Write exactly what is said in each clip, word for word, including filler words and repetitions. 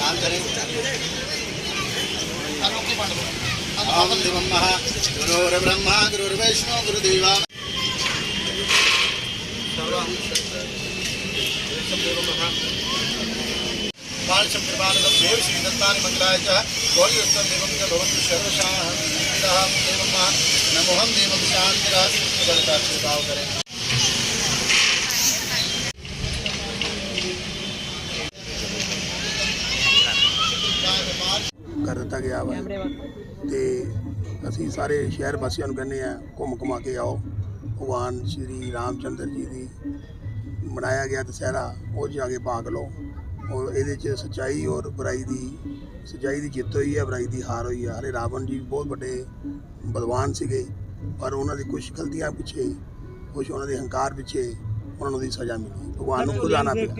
ओम देवं महा गुरुर्ब्रह्मा गुरुर्विष्णु गुरुदेवा बाल शंकरपाल देव श्री दत्तानि मंगलाय च गौरी उत्तर देवं च भवन्तु सर्वशान्तिः देवं महा नमोहं देवं शान्तिराज जलता छिड़काव करें। कर दिता गया वा ते असी सारे शहर वासियों कहने घूम घुमा के आओ भगवान श्री रामचंद्र जी की मनाया गया दशहरा वो जाके भाग लो और ये सच्चाई और बुराई की सच्चाई की जित हुई है बुराई की हार हुई है। हरे रावण जी बहुत बड़े बलवान से पर उन्होंने कुछ गलतियां पिछे कुछ उन्होंने हंकार पिछे उन्होंने सज़ा मिली भगवान को खुद आना पिया।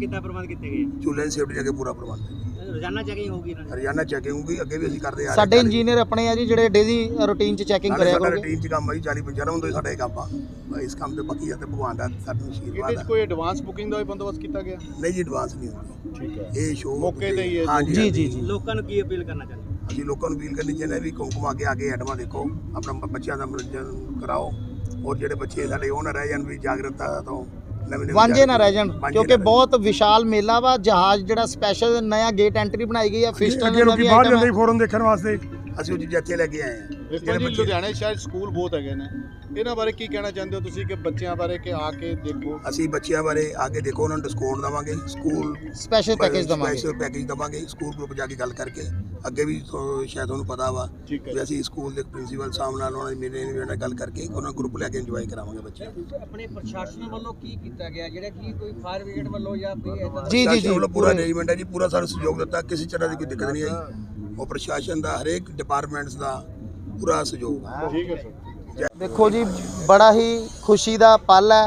चूल्हे की सेफ्टी जगह पूरा प्रबंध रोजाना चेकिंग होगी रोजाना चेकिंग होगी अगे भी ਅਸੀਂ ਕਰਦੇ ਆ ਸਾਡੇ ਇੰਜੀਨੀਅਰ ਆਪਣੇ ਆ ਜੀ ਜਿਹੜੇ ਡੇਲੀ ਰੂਟੀਨ ਚ ਚੈਕਿੰਗ ਕਰਿਆ ਕਰੋਗੇ। ਰੂਟੀਨ ਚ ਕੰਮ ਹੈ ਚਾਲੀ ਪੰਜਾਹ ਹੁੰਦਾ ਸਾਡਾ ਇਹ ਕੰਮ ਆ ਇਸ ਕੰਮ ਤੇ ਬਾਕੀ ਤੇ ਭਗਵਾਨ ਦਾ ਸਾਡਾ ਆਸ਼ੀਰਵਾਦ ਇਹਦੇ ਚ ਕੋਈ ਐਡਵਾਂਸ ਬੁਕਿੰਗ ਦਾ ਵੀ ਬੰਦੋਬਸਤ ਕੀਤਾ ਗਿਆ? ਨਹੀਂ ਜੀ ਐਡਵਾਂਸ ਨਹੀਂ ਹੁੰਦੀ। ਠੀਕ ਹੈ ਇਹ ਸ਼ੋਅ ਮੌਕੇ ਤੇ ਹੀ ਹੈ। ਹਾਂ ਜੀ ਜੀ ਜੀ ਲੋਕਾਂ ਨੂੰ ਕੀ ਅਪੀਲ ਕਰਨਾ ਚਾਹੁੰਦੇ? ਅਸੀਂ ਲੋਕਾਂ ਨੂੰ ਅਪੀਲ ਕਰਨੀ ਚਾਹੁੰਦੇ ਵੀ ਕੁੰਕੁਮ ਅੱਗੇ ਆ ਕੇ ਐਡਵਾਂ ਦੇਖੋ ਆਪਣਾ ਬੱਚਿਆਂ ਦਾ ਮਨੋਰੰਜਨ ਕਰਾਓ ਔਰ ਜਿਹੜੇ ਬੱਚੇ ਸਾਡੇ ਉਹ ਨਾ ਰਹਿ ਜਾਣ ਵੀ ਜਾਗਰੂਕਤਾ ਤੋਂ ਵਾਂਝੇ ਨਾ ਰਹਿ ਜਾਣ ਕਿਉਂਕਿ ਬਹੁਤ ਵਿਸ਼ਾਲ ਮੇਲਾ ਵਾ। ਜਹਾਜ਼ ਜਿਹੜਾ ਸਪੈਸ਼ਲ ਨया ਗੇਟ ਐਂਟਰੀ ਬਣਾਈ ਗਈ ਹੈ ਫਿਸ਼ ਟਨਲ ਦਾ ਵੀ ਆਈਟਮ ਹੈ ਫੋਰਨ ਦੇਖਣ ਵਾਸਤੇ ਅਸੀਂ ਉਹ ਚੀਜ਼ਾਂ ਇੱਥੇ ਲੈ ਕੇ ਆਏ ਹਾਂ। ਦੇਖੋ ਜੀ ਲੁਧਿਆਣੇ ਸ਼ਾਇਦ ਸਕੂਲ ਬਹੁਤ ਹੈਗੇ ਨੇ ਇਹਨਾਂ ਬਾਰੇ ਕੀ ਕਹਿਣਾ ਚਾਹੁੰਦੇ ਹੋ ਤੁਸੀਂ ਕਿ ਬੱਚਿਆਂ ਬਾਰੇ ਕਿ ਆ ਕੇ ਦੇਖੋ? ਅਸੀਂ ਬੱਚਿਆਂ ਬਾਰੇ ਆ ਕੇ ਦੇਖੋ ਉਹਨਾਂ ਨੂੰ ਡਿਸਕਾਊਂਟ ਦੇਵਾਂਗੇ ਸਕੂਲ ਸਪੈਸ਼ਲ ਪੈਕੇਜ ਦੇਵਾਂਗੇ ਸਪੈਸ਼ਲ ਪੈਕੇਜ ਦੇਵਾਂਗੇ ਸਕੂਲ ਗਰੁੱਪ ਜਾ ਕੇ ਗੱਲ ਕਰਕੇ ਅੱਗੇ ਵੀ ਸ਼ਾਇਦ ਤੁਹਾਨੂੰ ਪਤਾ ਵਾ ਵੀ ਅਸੀਂ ਸਕੂਲ ਦੇ ਪ੍ਰਿੰਸੀਪਲ ਸਾਹਿਬ ਨਾਲ ਉਹਨਾਂ ਦੇ ਮੇਰੇ ਨਾਲ ਗੱਲ ਕਰਕੇ ਉਹਨਾਂ ਗਰੁੱਪ ਲੈ ਕੇ ਇੰਜੋਏ ਕਰਾਵਾਂਗੇ ਬੱਚੇ। ਆਪਣੇ ਪ੍ਰਸ਼ਾਸਨ ਵੱਲੋਂ ਕੀ ਕੀਤਾ ਗਿਆ ਜਿਹੜਾ ਕੀ ਕੋਈ ਫਾਇਰ ਬ੍ਰਿਗੇਡ ਵੱਲੋਂ ਜਾਂ ਕੋਈ ਇਦਾਂ? ਜੀ ਜੀ ਜੀ ਪੂਰਾ ਅਰੇਂਜਮੈਂਟ ਹੈ ਜੀ ਪੂਰਾ ਸਾਨੂੰ ਸਹਿਯੋਗ ਦਿੱਤਾ ਕਿਸੇ ਤਰ੍ਹਾਂ ਦੀ ਕੋਈ ਦਿੱਕਤ ਨਹੀਂ ਆਈ। ਉਹ ਪ੍ਰਸ਼ਾਸਨ ਦਾ ਹਰੇਕ ਡਿਪਾਰਟਮੈਂਟਸ ਦਾ ਪੂਰਾ ਸਹਿਯੋਗ ਹੈ। ਠੀਕ ਹੈ ਸਰ। ਦੇਖੋ ਜੀ ਬੜਾ ਹੀ ਖੁਸ਼ੀ ਦਾ ਪਲ ਹੈ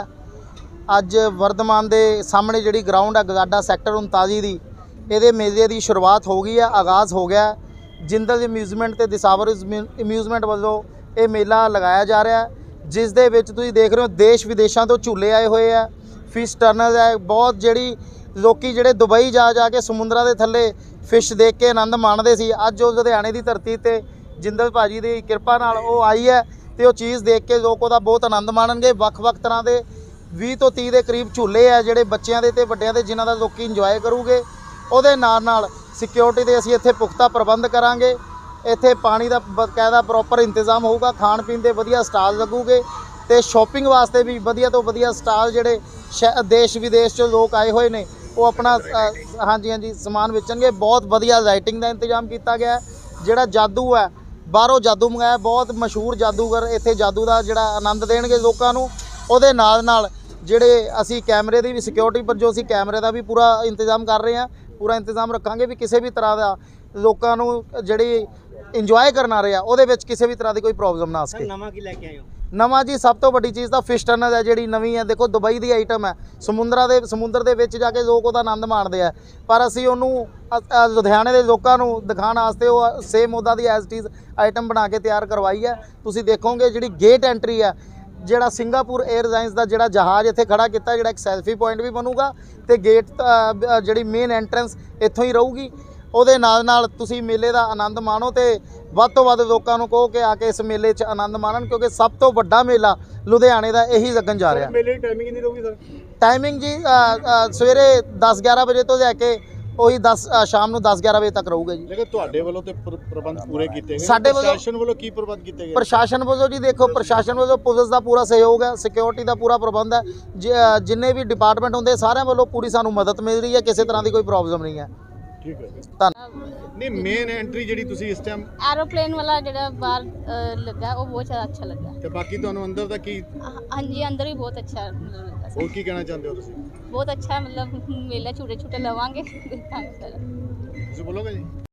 ਅੱਜ ਵਰਧਮਾਨ ਦੇ ਸਾਹਮਣੇ ਜਿਹੜੀ ਗਰਾਊਂਡ ਹੈ ਗਗਾਡਾ ਸੈਕਟਰ ਉਨਤਾਲੀ ਦੀ ਇਹਦੇ ਮੇਲੇ ਦੀ ਸ਼ੁਰੂਆਤ ਹੋ ਗਈ ਹੈ ਆਗਾਜ਼ ਹੋ ਗਿਆ। ਜਿੰਦਲ ਅਮਿਊਜ਼ਮੈਂਟ ਤੇ ਦਿਸਾਵਰ ਅਮਿਊਜ਼ਮੈਂਟ ਵੱਲੋਂ ਇਹ ਮੇਲਾ ਲਗਾਇਆ ਜਾ ਰਿਹਾ ਹੈ ਜਿਸ ਦੇ ਵਿੱਚ ਤੁਸੀਂ ਦੇਖ ਰਹੇ ਹੋ ਦੇਸ਼ ਵਿਦੇਸ਼ਾਂ ਤੋਂ ਝੂਲੇ ਆਏ ਹੋਏ ਆ। ਫਿਸ਼ ਟਨਲ ਹੈ ਬਹੁਤ ਜਿਹੜੀ ਲੋਕੀ ਜਿਹੜੇ ਦੁਬਈ ਜਾ ਜਾ ਕੇ ਸਮੁੰਦਰਾਂ ਦੇ ਥੱਲੇ ਫਿਸ਼ ਦੇਖ ਕੇ ਆਨੰਦ ਮਾਣਦੇ ਸੀ ਅੱਜ ਉਹ ਲੁਧਿਆਣੇ ਦੀ ਧਰਤੀ ਤੇ ਜਿੰਦਲ ਭਾਜੀ ਦੀ ਕਿਰਪਾ ਨਾਲ ਉਹ ਆਈ ਹੈ ਤੇ ਉਹ ਚੀਜ਼ ਦੇਖ ਕੇ ਲੋਕ ਉਹਦਾ ਬਹੁਤ ਆਨੰਦ ਮਾਣਨਗੇ। ਵੱਖ-ਵੱਖ ਤਰ੍ਹਾਂ ਦੇ ਵੀਹ ਤੋਂ ਤੀਹ ਦੇ ਕਰੀਬ ਝੂਲੇ ਆ ਜਿਹੜੇ ਬੱਚਿਆਂ ਦੇ ਤੇ ਵੱਡਿਆਂ ਦੇ ਜਿਨ੍ਹਾਂ ਦਾ ਲੋਕੀ ਇੰਜੋਏ ਕਰੂਗੇ। ਉਹਦੇ ਨਾਲ ਨਾਲ ਸਿਕਿਉਰਿਟੀ ਦੇ ਅਸੀਂ ਇੱਥੇ ਪੁਖਤਾ ਪ੍ਰਬੰਧ ਕਰਾਂਗੇ। ਇੱਥੇ ਪਾਣੀ ਦਾ ਬਕਾਇਦਾ ਪ੍ਰੋਪਰ ਇੰਤਜ਼ਾਮ ਹੋਊਗਾ ਖਾਣ ਪੀਣ ਦੇ ਵਧੀਆ ਸਟਾਲ ਲੱਗੂਗੇ ਤੇ ਸ਼ਾਪਿੰਗ ਵਾਸਤੇ ਵੀ ਵਧੀਆ ਤੋਂ ਵਧੀਆ ਸਟਾਲ ਜਿਹੜੇ ਦੇਸ਼ ਵਿਦੇਸ਼ 'ਚੋਂ ਲੋਕ ਆਏ ਹੋਏ ਨੇ ਉਹ ਆਪਣਾ ਹਾਂਜੀ ਹਾਂਜੀ ਸਮਾਨ ਵੇਚਣਗੇ। ਬਹੁਤ ਵਧੀਆ ਲਾਈਟਿੰਗ ਦਾ ਇੰਤਜ਼ਾਮ ਕੀਤਾ ਗਿਆ ਜਿਹੜਾ ਜਾਦੂ ਹੈ ਬਾਹਰੋਂ ਜਾਦੂ ਮੰਗਾਇਆ ਬਹੁਤ ਮਸ਼ਹੂਰ ਜਾਦੂਗਰ ਇੱਥੇ ਜਾਦੂ ਦਾ ਜਿਹੜਾ ਆਨੰਦ ਦੇਣਗੇ ਲੋਕਾਂ ਨੂੰ। ਉਹਦੇ ਨਾਲ ਨਾਲ ਜਿਹੜੇ ਅਸੀਂ ਕੈਮਰੇ ਦੀ ਵੀ ਸਿਕਿਉਰਿਟੀ ਪਰ ਜੋ ਅਸੀਂ ਕੈਮਰੇ ਦਾ ਵੀ ਪੂਰਾ ਇੰਤਜ਼ਾਮ ਕਰ ਰਹੇ ਹਾਂ ਪੂਰਾ ਇੰਤਜ਼ਾਮ ਰੱਖਾਂਗੇ ਵੀ ਕਿਸੇ ਵੀ ਤਰ੍ਹਾਂ ਦਾ ਲੋਕਾਂ ਨੂੰ ਜਿਹੜੀ ਇੰਜੋਏ ਕਰਨ ਆ ਰਹੇ ਆ ਉਹਦੇ ਵਿੱਚ ਕਿਸੇ ਵੀ ਤਰ੍ਹਾਂ ਦੀ ਕੋਈ ਪ੍ਰੋਬਲਮ ਨਾ ਆ ਸਕੇ। ਨਵਾਂ ਕੀ ਲੈ ਕੇ ਆਏ ਹੋ? ਨਵਾਂ ਜੀ ਸਭ ਤੋਂ ਵੱਡੀ ਚੀਜ਼ ਤਾਂ ਫਿਸ਼ ਟਨਲ ਹੈ ਜਿਹੜੀ ਨਵੀਂ ਹੈ। ਦੇਖੋ ਦੁਬਈ ਦੀ ਆਈਟਮ ਹੈ ਸਮੁੰਦਰਾਂ ਦੇ ਸਮੁੰਦਰ ਦੇ ਵਿੱਚ ਜਾ ਕੇ ਲੋਕ ਉਹਦਾ ਆਨੰਦ ਮਾਣਦੇ ਆ ਪਰ ਅਸੀਂ ਉਹਨੂੰ ਲੁਧਿਆਣੇ ਦੇ ਲੋਕਾਂ ਨੂੰ ਦਿਖਾਉਣ ਵਾਸਤੇ ਉਹ ਸੇਮ ਉਹਦਾ ਦੀ ਐਜ਼ ਇਟ ਇਜ਼ ਆਈਟਮ ਬਣਾ ਕੇ ਤਿਆਰ ਕਰਵਾਈ ਹੈ। ਤੁਸੀਂ ਦੇਖੋਗੇ ਜਿਹੜੀ ਗੇਟ ਐਂਟਰੀ ਹੈ ਜਿਹੜਾ ਸਿੰਗਾਪੁਰ 에ਅਰਲਾਈਨਸ ਦਾ ਜਿਹੜਾ ਜਹਾਜ਼ ਇੱਥੇ ਖੜਾ ਕੀਤਾ ਜਿਹੜਾ ਇੱਕ ਸੈਲਫੀ ਪੁਆਇੰਟ ਵੀ ਬਣੂਗਾ ਤੇ ਗੇਟ ਜਿਹੜੀ ਮੇਨ ਐਂਟਰੈਂਸ ਇੱਥੋਂ ਹੀ ਰਹੂਗੀ। ਉਹਦੇ ਨਾਲ ਨਾਲ ਤੁਸੀਂ ਮੇਲੇ ਦਾ ਆਨੰਦ ਮਾਣੋ ਤੇ ਵੱਧ ਤੋਂ ਵੱਧ ਲੋਕਾਂ ਨੂੰ ਕਹੋ ਕਿ ਆ ਕੇ ਇਸ ਮੇਲੇ 'ਚ ਆਨੰਦ ਮਾਣਨ ਕਿਉਂਕਿ ਸਭ ਤੋਂ ਵੱਡਾ ਮੇਲਾ ਲੁਧਿਆਣੇ ਦਾ ਇਹੀ ਲੱਗਣ ਜਾ ਰਿਹਾ। ਮੇਲੇ ਦੀ ਟਾਈਮਿੰਗ ਕਿੰਨੀ ਰਹੂਗੀ ਸਰ? ਟਾਈਮਿੰਗ ਜੀ ਸਵੇਰੇ ਦਸ ਗਿਆਰਾਂ ਵਜੇ ਤੋਂ ਲੈ ਕੇ ਉਹੀ ਦਸ ਸ਼ਾਮ ਨੂੰ ਦਸ ਗਿਆਰਾਂ ਵਜੇ ਤੱਕ ਰਹੂਗਾ ਜੀ। ਲੇਕਿਨ ਤੁਹਾਡੇ ਵੱਲੋਂ ਤੇ ਪ੍ਰਬੰਧ ਪੂਰੇ ਕੀਤੇ ਗਏ ਸਾਡੇ ਵੱਲੋਂ ਪ੍ਰਸ਼ਾਸਨ ਵੱਲੋਂ ਕੀ ਪ੍ਰਬੰਧ ਕੀਤੇ ਗਏ? ਪ੍ਰਸ਼ਾਸਨ ਵੱਲੋਂ ਜੀ ਦੇਖੋ ਪ੍ਰਸ਼ਾਸਨ ਵੱਲੋਂ ਪੁਲਿਸ ਦਾ ਪੂਰਾ ਸਹਿਯੋਗ ਹੈ ਸਿਕਿਉਰਿਟੀ ਦਾ ਪੂਰਾ ਪ੍ਰਬੰਧ ਹੈ ਜਿੰਨੇ ਵੀ ਡਿਪਾਰਟਮੈਂਟ ਹੁੰਦੇ ਸਾਰਿਆਂ ਵੱਲੋਂ ਪੂਰੀ ਸਾਨੂੰ ਮਦਦ ਮਿਲ ਰਹੀ ਹੈ ਕਿਸੇ ਤਰ੍ਹਾਂ ਦੀ ਕੋਈ ਪ੍ਰੋਬਲਮ ਨਹੀਂ ਹੈ। ਠੀਕ ਹੈ ਧੰਨਵਾਦ। ਨਹੀਂ ਮੇਨ ਐਂਟਰੀ ਜਿਹੜੀ ਤੁਸੀਂ ਇਸ ਟਾਈਮ एरोप्लेन वाला ਜਿਹੜਾ ਬਾਹਰ ਲੱਗਾ ਉਹ ਬਹੁਤ ਜ਼ਿਆਦਾ ਅੱਛਾ ਲੱਗਾ ਤੇ ਬਾਕੀ ਤੁਹਾਨੂੰ ਅੰਦਰ ਦਾ ਕੀ? ਹਾਂਜੀ ਅੰਦਰ ਵੀ ਬਹੁਤ ਅੱਛਾ ਲੱਗਾ ਹੋਰ ਕੀ ਕਹਿਣਾ ਚਾਹੁੰਦੇ ਹੋ ਤੁਸੀਂ? ਬਹੁਤ ਅੱਛਾ ਮਤਲਬ ਮੇਲਾ ਝੂਟੇ ਝੂਟੇ ਲਵਾਂਗੇ ਦੇਖਾਂਗੇ। ਤੁਸੀਂ ਬੋਲੋਗੇ ਜੀ?